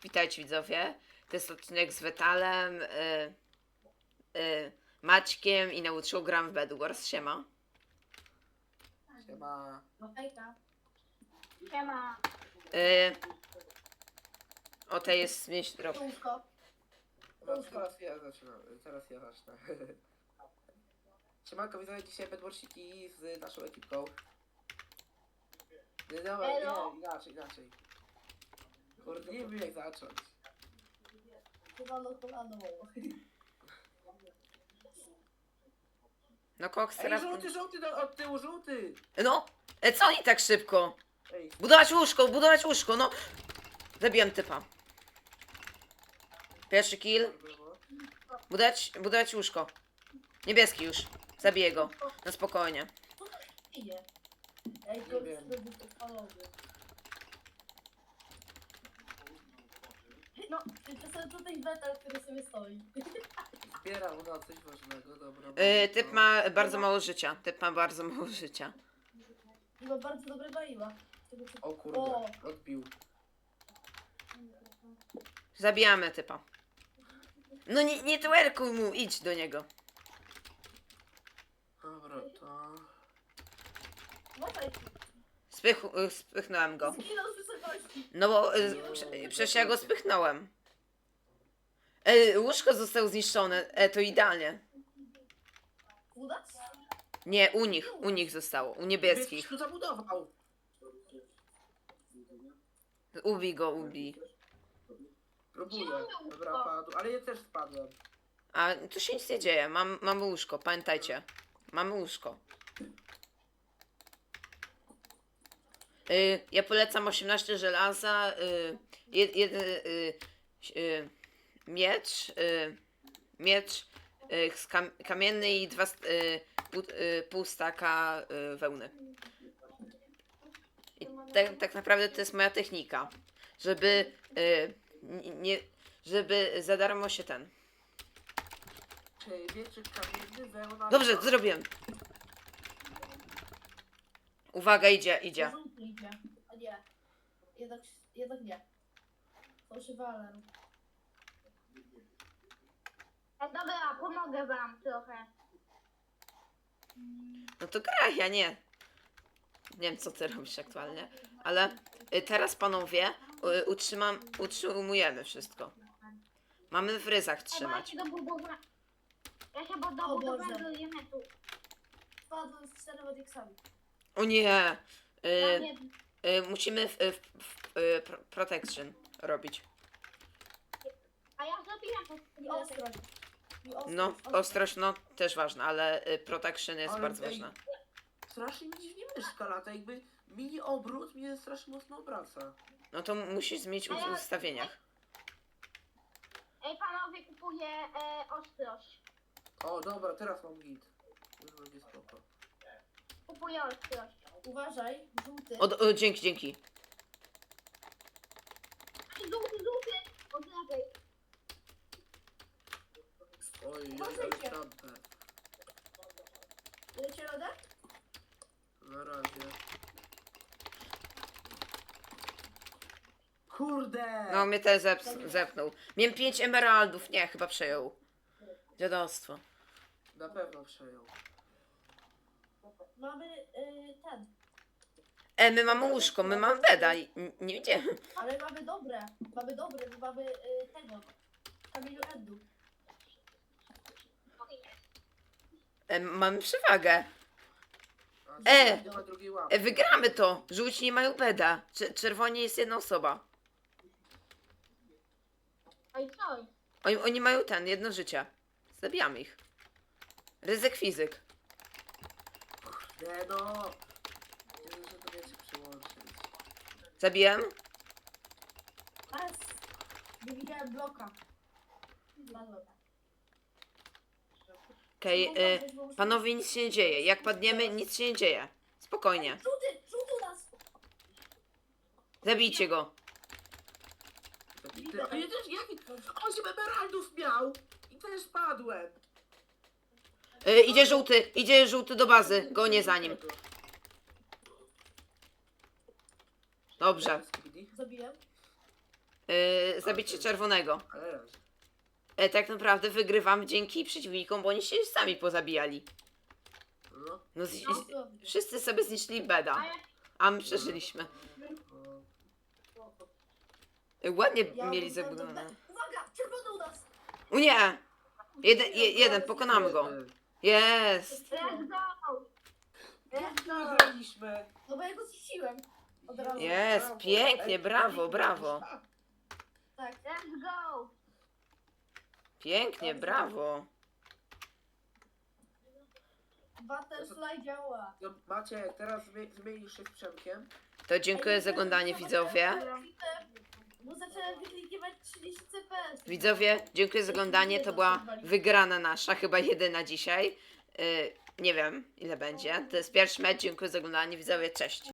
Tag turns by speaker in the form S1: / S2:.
S1: Witajcie widzowie. To jest odcinek z Wetalem, Maćkiem i nauczył gram w Bedwars. Siema.
S2: Siema.
S3: No hejka.
S4: Siema.
S1: O, tej jest mieć drop.
S3: Łóżko.
S2: No, teraz ja zacznę. Siemanko, widzowie, dzisiaj bedwarsiki z naszą ekipką. Nie,
S4: Elo.
S2: inaczej. Kurde, nie wiem jak zacząć.
S3: Kolano.
S1: No Cox
S2: Ej,
S1: teraz...
S2: żółty, no, od tyłu żółty!
S1: No, co oni tak szybko?
S2: Ej,
S1: Budować łóżko, no. Zabiłem typa. Pierwszy kill. Budować łóżko. Niebieski już. Zabiję go. No spokojnie.
S3: Idzie. Ej,
S2: Nie
S3: to
S2: wiem.
S3: jest odpalony. No, to są tutaj metal, który sobie stoi.
S2: zbieram no coś ważnego, dobra.
S1: Typ ma bardzo mało życia.
S3: I ma bardzo dobre baila.
S2: O kurde,
S3: O.
S2: odbił.
S1: Zabijamy typa. No nie twerkuj mu, idź do niego.
S2: Dobra, to...
S3: Uważaj,
S1: Spychnąłem go.
S3: zginął z wysokości.
S1: No bo przecież ja go spychnąłem. Łóżko zostało zniszczone. To idealnie.
S3: Udać?
S1: Nie, u nich zostało. U niebieskich.
S2: Tu zabudował!
S1: Ubij.
S2: Próbuję. Dobra, padł, ale ja też spadłem.
S1: A tu się nic nie dzieje. Mamy łóżko, pamiętajcie. Mamy łóżko. Ja polecam 18 żelaza, miecz kamienny i pół staka wełny. I tak naprawdę to jest moja technika, żeby żeby za darmo się ten.
S2: Czyli wieczyk kamienny, wełna...
S1: Dobrze, zrobiłem. Uwaga, idzie.
S3: Żółty idzie. A nie. Jednak nie. Fałszywaler.
S4: Dobra, pomogę wam trochę.
S1: No to graj, ja nie. Nie wiem, co ty robisz aktualnie, ale teraz, panowie, utrzymujemy wszystko. Mamy w ryzach trzymać.
S4: Ja się
S3: O
S4: dobudowałem
S3: Boże.
S4: do limitu.
S3: Spadłem z 4 Wodixami.
S1: O nie!
S4: Mam
S1: Musimy protection robić.
S4: A ja zrobiłem to.
S3: I ostrość.
S1: No, ostrość, no, też ważna, ale protection jest
S2: Ale
S1: bardzo
S2: ej,
S1: ważna.
S2: Strasznie mi dziwnie myszka lata, jakby mini obrót mnie strasznie mocno obraca.
S1: No to musisz zmienić w ustawieniach.
S4: Ej, panowie, kupuję ostrość.
S2: O, dobra, teraz mam git. Już będzie spoko.
S4: Kupuję ostrość.
S3: Uważaj, żółty.
S1: Dzięki.
S4: Żółty. Od lewej.
S2: Oj,
S3: Uważajcie.
S2: ale trampę.
S3: Lecie radę?
S2: Na razie. Kurde!
S1: No, mnie też zepnął. Miałem 5 emeraldów, nie, chyba przejął. Dziadostwo.
S2: Na pewno przejął.
S3: Mamy ten.
S1: My mamy łóżko, my mamy beda, nie widziałem.
S3: Ale mamy dobre. Bo mamy tego. Kamieniu Endu.
S1: Mamy przewagę.
S2: A nie ma drugiej łapy.
S1: Wygramy to. Żółci nie mają beda. Czerwoni jest jedna osoba.
S4: Ej, co?
S1: Oni mają jedno życie. Zabijamy ich. Ryzyk fizyk.
S2: Nie no! Nie wiem, że to wiecie przyłączyć.
S1: Zabiłem?
S3: Teraz nie widziałem bloka. Spadłem.
S1: Okej, panowie, nic się nie dzieje. Jak padniemy, nic się nie dzieje. Spokojnie.
S3: Żółty nas!
S1: Zabijcie go.
S2: A ja też, jaki... 8 emeraldów miał! I też padłem!
S1: Idzie żółty do bazy. Gonię za nim. Dobrze.
S3: Zabiłem.
S1: zabicie czerwonego.
S2: Ale raz.
S1: Tak naprawdę wygrywam dzięki przeciwnikom, bo oni się sami pozabijali.
S2: No.
S1: No,
S3: No,
S1: wszyscy sobie zniszczyli
S4: A
S1: beda,
S4: jak
S1: a my przeżyliśmy.
S2: No.
S1: Ładnie
S3: ja
S1: mieli
S3: bym-
S1: zabudowane.
S3: Uwaga, czerwony u nas!
S1: O nie! Jeden, pokonamy go. Jest!
S4: let's go!
S2: Jak my wygraliśmy?
S3: No bo ja go zniszczyłem. Od razu.
S1: Jest,
S2: Brawo.
S1: pięknie,
S2: Ej,
S1: brawo,
S2: Dawid,
S1: brawo.
S2: wygraliśmy.
S3: Tak.
S4: Let's go!
S1: Pięknie, brawo.
S3: Butterfly działa.
S2: No, Maciek, teraz zmienisz się z Przemkiem.
S1: To dziękuję za oglądanie, widzowie.
S3: Bo zacząłem wyklikiwać 30 CPS.
S1: Widzowie, dziękuję za oglądanie. To była wygrana nasza, chyba jedyna dzisiaj. Nie wiem, ile będzie. To jest pierwszy mecz. Dziękuję za oglądanie, widzowie. Cześć.